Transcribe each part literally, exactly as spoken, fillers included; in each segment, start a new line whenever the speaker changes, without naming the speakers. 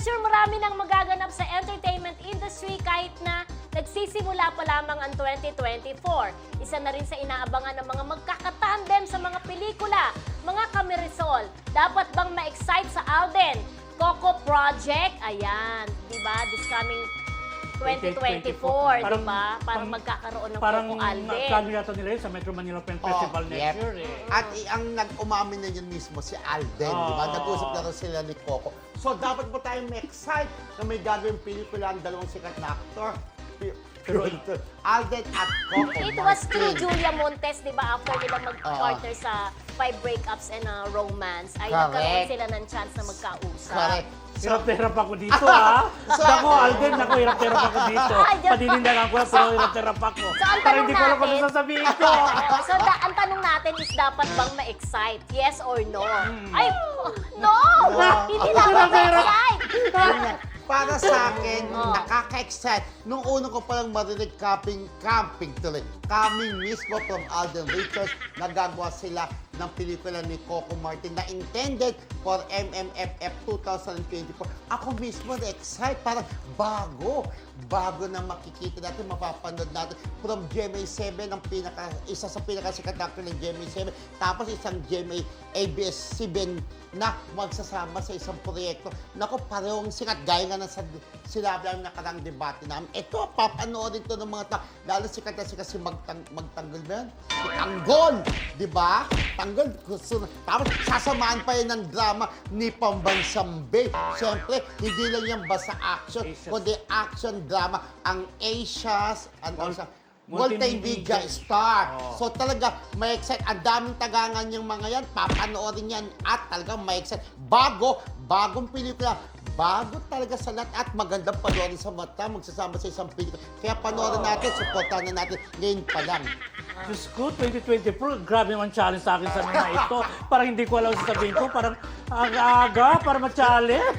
sure marami nang magaganap sa entertainment industry kahit na nagsisimula pa lamang ang twenty twenty-four. Isa na rin sa inaabangan ng mga magkakatandem sa mga pelikula, mga kamirisol. Dapat bang ma-excite sa Alden? Coco Project, ayan, di ba? This coming twenty twenty-four, di ba? Parang magkakaroon ng
parang
Coco Alden.
Parang yata nila yun sa Metro Manila Film Festival
Oh,
next
yep.
year eh.
At i- ang nag-umamin na yun mismo si Alden,
Oh.
di ba? Nag-usap na rin sila ni Coco. So, dapat po tayong ma-excite na may gagawing pelikula ang dalawang sikat na actor. Pero ito, Alden at Coco
It was through
Martin.
Julia Montes, di ba, after nila mag-partner sa Five Breakups and a Romance, ay
Correct.
nagkaroon sila ng chance na magkausap.
Correct.
Hirap na hirap ako dito, ha?
So-
Ako, Alden, ako, hirap na hirap ako dito.
Ay, Diyos.
Paninindagan ko, pero hirap na hirap ako.
So, ang
Parang
tanong
hindi ko alam kung
natin-
ano sasabihin ko.
Oo, so, da- ang tanong natin is dapat bang ma-excite? Yes or no? Ay, no! Hindi dapat ma-excite!
Yun nga. Para sa akin,
Oh.
nakaka-excite. Nung unang ko palang marinig camping, camping tuloy. Coming mismo from Alden Richards, nagagawa sila ng pelikula ni Coco Martin na intended for M M F F twenty twenty-four. Ako mismo na-excite, parang bago. Bago na makikita natin, mapapanood natin. From G M A seven, ang pinaka, isa sa pinakasikat na actor ng G M A seven. Tapos isang G M A A B S C B N na magsasama sa isang proyekto. Naku, parehong sikat. Gaya nga ng sa- sinabi ang nakarang debate namin. Ito, papanoorin to ng mga tao. Lalo sikat na sikat si Magtang Magtanggol ba yan? Si Tanggol! Di ba? Tanggol. Gusto na. Tapos sasamaan pa yan ng drama ni Pambansang Bay. Siyempre, hindi lang yan basta action,
Asia's.
kundi action drama. Ang Asia's, ano
Mul-
sa
Multimedia.
multimedia star.
Oh.
So talaga, may excite. Ang daming tagangan yung mga yan. Papanoorin yan. At talaga may excite. Bago, bagong pelikula. Bago talaga sa lahat. At magandang panoorin sa mata. Magsasama sa isang pelikula. Kaya panoorin natin. Supportahan na natin. Ngayon pa lang.
Diyos ko, twenty twenty-four, grabe naman challenge sa akin sa mga ito. Parang hindi ko alam sa sabihin ko, parang aga-aga para ma-challenge.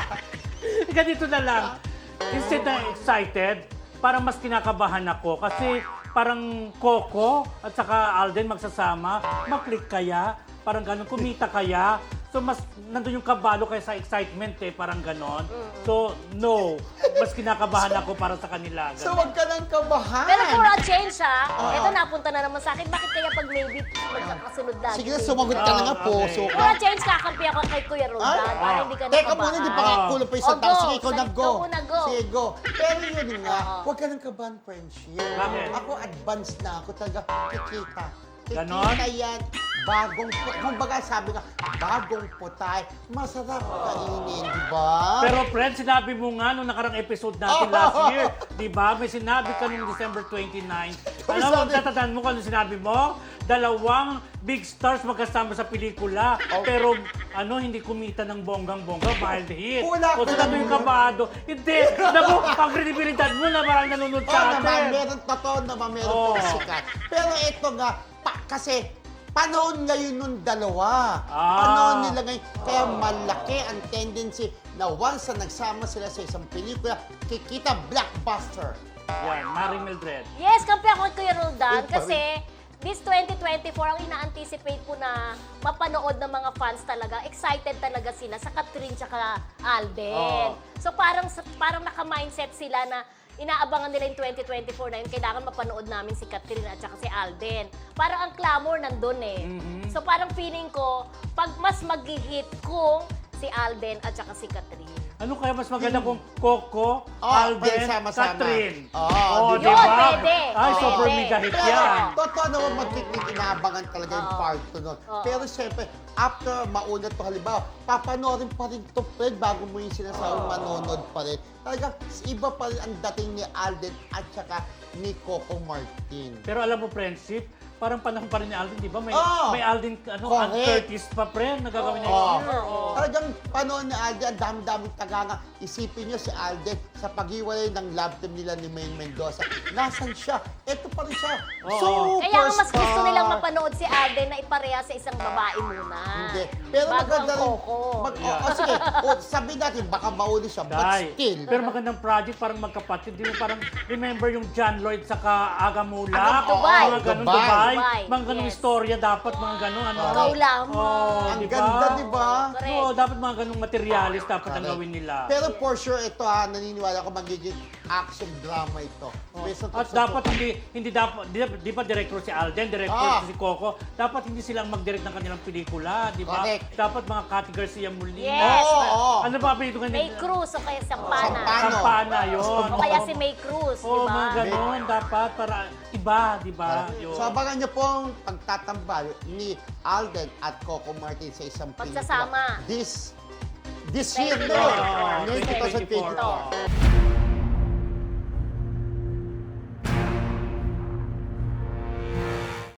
Ganito na lang. Instead na excited, parang mas kinakabahan ako kasi parang Coco at saka Alden magsasama, mag-click kaya, parang ganun, kumita kaya. So mas nandun yung kabalo kaya sa excitement eh, parang ganon. So no, mas kinakabahan ako para sa kanila.
So
Ganon.
wag ka nang kabahan.
Pero for a change, ha?
Oo.
Ito napunta na naman sa akin. Bakit kaya pag maybe magkakasunod lagi?
Sige na, sumagot ka na nga
Ah,
po.
okay.
So,
For a change, kakampi ako kay Kuya Roldan
Ay,
para
ah.
hindi ka
Teka
nakabahan.
muna, hindi pa
Ah.
kakulang pa isang
Oh,
tao.
go.
Sige, ikaw na
Sige,
go.
ikaw muna, go.
Sige, go. Pero yun nga,
Oo.
huwag ka nang kabahan, friendship.
Bakit?
Ako, advance na ako talaga. Kikita.
Ganon?
Kikita yan. Bagong, kumbaga sabi nga, bagong putay. Masarap kainin, di ba?
Pero friend, sinabi mo nga nung nakarang episode natin
Oh.
last year, di ba? May sinabi ka nung December twenty-nine.
Uy,
Alam mo,
sabi-
tatandaan mo kung ano sinabi mo? Dalawang big stars magkasama sa pelikula.
Oh.
Pero ano, hindi kumita ng bonggang-bongga, mild hit.
Wala
O
ka
sinabi
lang
yung
yun.
kabado. Hindi, naku, ang kredibilidad mo na marang nanonood
Oo
sa
naman,
atin.
meron totoo naman, meron
Oo.
pong sikat. Pero ito nga, pa, kasi panahon ngayon nung dalawa.
Ah.
Panahon nila ngayon. Kaya malaki ang tendency na once na nagsama sila sa isang pelikula, kikita blockbuster.
Yan, Maring Mildred.
Yes, kampi ako kay Kuya Roldan
Yun pa
kasi this twenty twenty-four, ang ina-anticipate po na mapanood ng mga fans talaga, excited talaga sila sa Catherine tsaka Alden.
Oo.
So parang parang naka-mindset sila na inaabangan nila yung twenty twenty-four na yun, kailangan mapanood namin si Catherine at saka si Alden. Parang ang clamor nandun eh.
Mhm.
So parang feeling ko, pag mas mag-hit kung si Alden at saka si Catherine.
Ano kaya mas maganda kung Coco,
Oh,
Alden,
pwede sama-sama.
Catherine?
Oo,
Oh,
di
di
ba?
ba?
Pwede,
Ay,
pwede.
super mega hit
Pero,
yan.
totoo naman magkiking inaabangan talaga yung
Oo.
part two nun.
Oo.
Pero siyempre, after maunat to halimbawa, papanoorin pa rin to, Fred, bago mo yung sinasawang manonood pa rin. Talagang iba pa rin ang dating ni Alden at saka ni Coco Martin.
Pero alam mo, friendship, parang panahon pa rin ni Alden, di ba? May,
Oo.
may Alden, ano,
Correct.
Ann Curtis pa, friend, nagagawin next
Oo.
year. Oo.
Talagang panahon ni Alden, ang dami-daming taganga. Isipin nyo si Alden sa paghiwalay ng love team nila ni Maine Mendoza. Nasaan siya? Ito pa rin siya.
Oo.
Kaya ang mas gusto
Superstar.
nilang mapanood si Alden na ipareha sa isang babae muna.
Hindi. Pero
Bago
maganda
ang
rin.
Coco.
Mag, o, o, sige, o, sabihin natin, baka mauli siya. But
Dai.
still,
Pero magandang project, parang magkapatid. Di mo parang, remember yung John Lloyd saka Aga Mulak?
Aga Dubai.
Mga ganun,
Dubai.
Dubai. buhay.
buhay.
Mga ganong
Yes.
istorya dapat, mga ganong ano.
Ikaw lamang.
Oh,
Ang
di ba?
ganda, di ba?
Correct.
Oo, dapat mga ganong materialis dapat ang
Correct.
gawin nila.
Pero for sure, ito ha, naniniwala ko magiging action drama ito. Based on-
At dapat hindi hindi dapat di, di pa director si Alden, director
Ah.
si Coco, dapat hindi silang mag-direct ng kanilang pelikula, di ba?
Correct.
Dapat mga Cathy Garcia Molina.
Yes.
Oo, oo.
Ano ba apelyido kanila?
May Cruz o kaya Sampana.
Sampana.
Kampana, yun.
O kaya si May Cruz, di
Oo,
ba?
mga ganon, dapat para iba, di ba? Yun.
So abangan niyo po ang pagtatambal ni Alden at Coco Martin sa isang pelikula.
Pagsasama.
This, this year,
twenty
no?
twenty-four.
Ngayon,
twenty twenty-four.
twenty twenty-four.